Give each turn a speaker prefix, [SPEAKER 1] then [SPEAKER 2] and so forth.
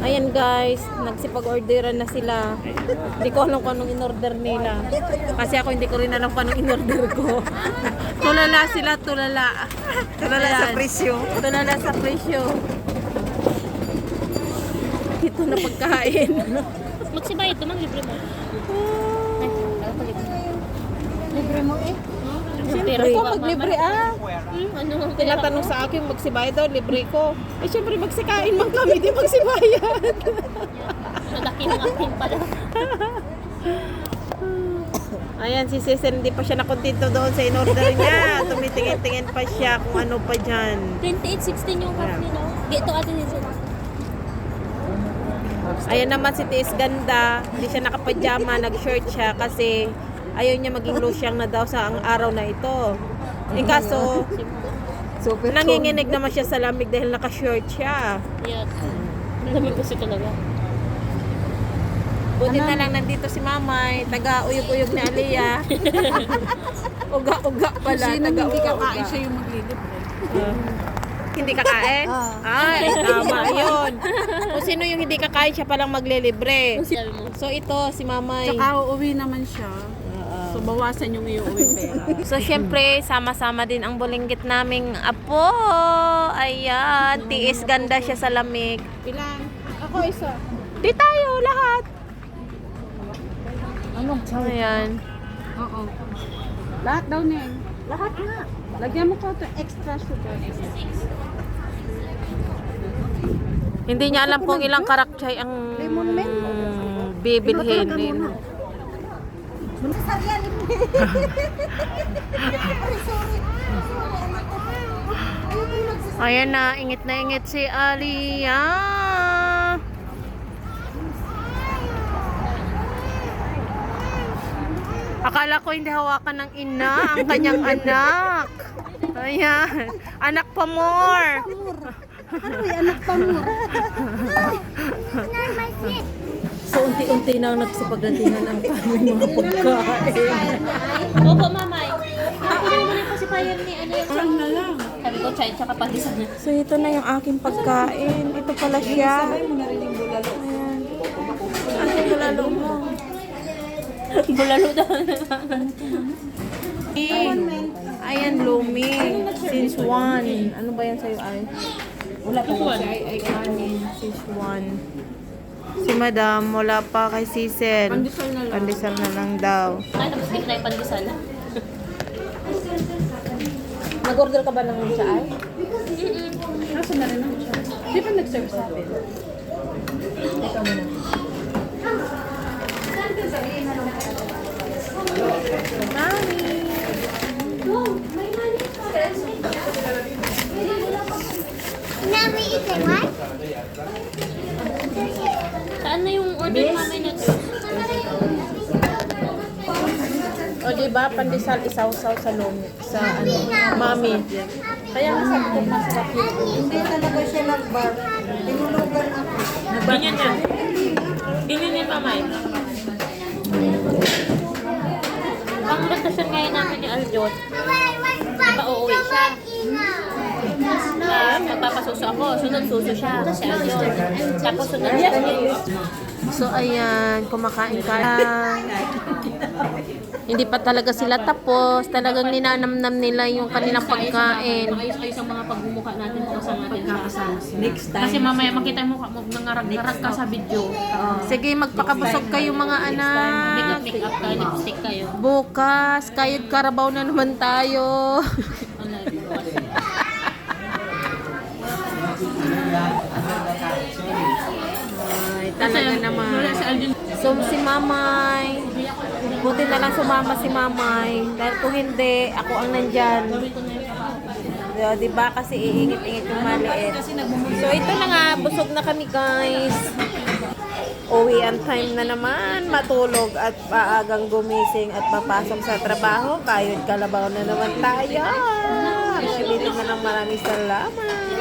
[SPEAKER 1] Ayan guys, nagsipag-orderan na sila. Hindi ko alam kung anong in-order nila. Kasi ako hindi ko rin alam kung anong in-order ko. Tulala sila, tulala.
[SPEAKER 2] Tulala sa presyo.
[SPEAKER 1] Tulala sa presyo. Ito na pagkain.
[SPEAKER 3] Magsibay ito, libre mo.
[SPEAKER 2] Libre mo eh.
[SPEAKER 1] Siyempre ko, maglibre
[SPEAKER 3] Ano?
[SPEAKER 1] Tinatanong sa akin, magsibayad daw, libre ko. Eh siyempre magsikain man kami, di magsibayad.
[SPEAKER 3] Malaki ng akin pala.
[SPEAKER 1] Ayan, si Cecil, hindi pa siya nakontento doon sa in-order niya. Tumitingin-tingin pa siya kung ano pa dyan.
[SPEAKER 3] 28.16 yung cup nila. Ito atin yun sila.
[SPEAKER 1] Ayan naman si Tiis Ganda, hindi siya nakapajama, nag-shirt siya kasi ayaw niya maging losyang na daw sa ang araw na ito. Eh kaso,
[SPEAKER 2] Super
[SPEAKER 1] nanginginig naman siya sa lamig dahil naka-shirt siya.
[SPEAKER 3] Yeah. Lamig kasi talaga.
[SPEAKER 1] Buti na lang nandito si Mamay, taga-uyog-uyog ni Aliyah. Uga-uga pala, taga-uga-uga.
[SPEAKER 2] siya yung maglilibre.
[SPEAKER 1] Hindi kakain? Ay, tama yun. Kung sino yung hindi kakain, siya palang maglilibre.
[SPEAKER 3] Sabi mo.
[SPEAKER 1] So ito, si Mamay.
[SPEAKER 2] Tsaka uuwi naman siya. So bawasan yung iuwi pera.
[SPEAKER 1] So, syempre, sama-sama din ang bulinggit naming apo. Ayan, tiis ganda siya sa lamig.
[SPEAKER 2] Ilan? Ako isa.
[SPEAKER 1] Di tayo, lahat.
[SPEAKER 2] Anong chow?
[SPEAKER 1] Ayan.
[SPEAKER 2] Oo. Lahat daw na Lahat nga. Lagyan mo ko ito extra sugar.
[SPEAKER 1] Hindi niya alam kung ilang karakchay ang bibilhin din. Ayan na ingit si Aliyah. Akala ko hindi hawakan ng ina ang kanyang anak. Ayan. Anak pa more.
[SPEAKER 2] Anak pa mo.
[SPEAKER 1] So, unti-unti na nagsipagdatingan ang kaming mga pagkain.
[SPEAKER 3] Opo, mamay. Kunin mo na yung pacifier ni ano yung
[SPEAKER 2] Parang na lang.
[SPEAKER 3] sabi ko, chai, tsaka pandisan na.
[SPEAKER 1] So, ito na yung aking pagkain. Ito pala siya.
[SPEAKER 2] Sabay mo na rin yung bulalo.
[SPEAKER 1] Ayan. Ano yung bulalo mo?
[SPEAKER 3] Bulalo daw.
[SPEAKER 1] Ayan, Lumi. Since 1. Ano ba yan sa'yo, ay?
[SPEAKER 2] Wala pa ko siya ay kanin.
[SPEAKER 1] Since 1. Si Madam, wala pa kay Cecil.
[SPEAKER 2] Pandesal na lang.
[SPEAKER 1] Pandesal na lang daw.
[SPEAKER 3] Ay, nabastik na yung pandesal.
[SPEAKER 1] Nag-order ka ba ng siya, ay?
[SPEAKER 2] Kaso na rin ako siya. Di ba nag-serve sa atin?
[SPEAKER 1] Ikaw muna. Mami!
[SPEAKER 4] Mommy, is it what?
[SPEAKER 3] Saan na yung order mamay na to?
[SPEAKER 1] O diba, pandesal isaw-saw sa lumi, sa ano, mami. Kaya nga sabi ko masarap yun.
[SPEAKER 2] Hindi talaga siya nag-bar. Tinulugan ako.
[SPEAKER 3] Ganyan yan. Ganyan yan, mamay. Ang bakasyon ngayon namin ni Aljot, diba uuwi siya? Magpapasuso ako, sunod suso siya si Aljot. Tapos sunod siya.
[SPEAKER 1] So ayan, kumakain ka lang. Hindi pa talaga sila tapos. Talagang ninanamnam nila yung kanilang pagkain.
[SPEAKER 3] Ayos-ayos ang mga pagbumuka natin kasama natin.
[SPEAKER 2] Next time.
[SPEAKER 3] Kasi mamaya makita mo nangarag-garag ka sa video.
[SPEAKER 1] Sige, magpakabusog kayo mga anak.
[SPEAKER 3] Make up ka, lipstick kayo.
[SPEAKER 1] Bukas, kayod karabaw na naman tayo. Ay, talaga naman. So, si Mamay, buti na lang sumama si Mamay. Dahil kung hindi, ako ang nandyan. Diba? Kasi iingit-ingit yung maliit. So, ito na nga. Busog na kami, guys. Uwian time na naman. Matulog at paagang gumising at papasok sa trabaho. Kayod kalabaw na naman tayo. Ulitin na lang maraming salamat.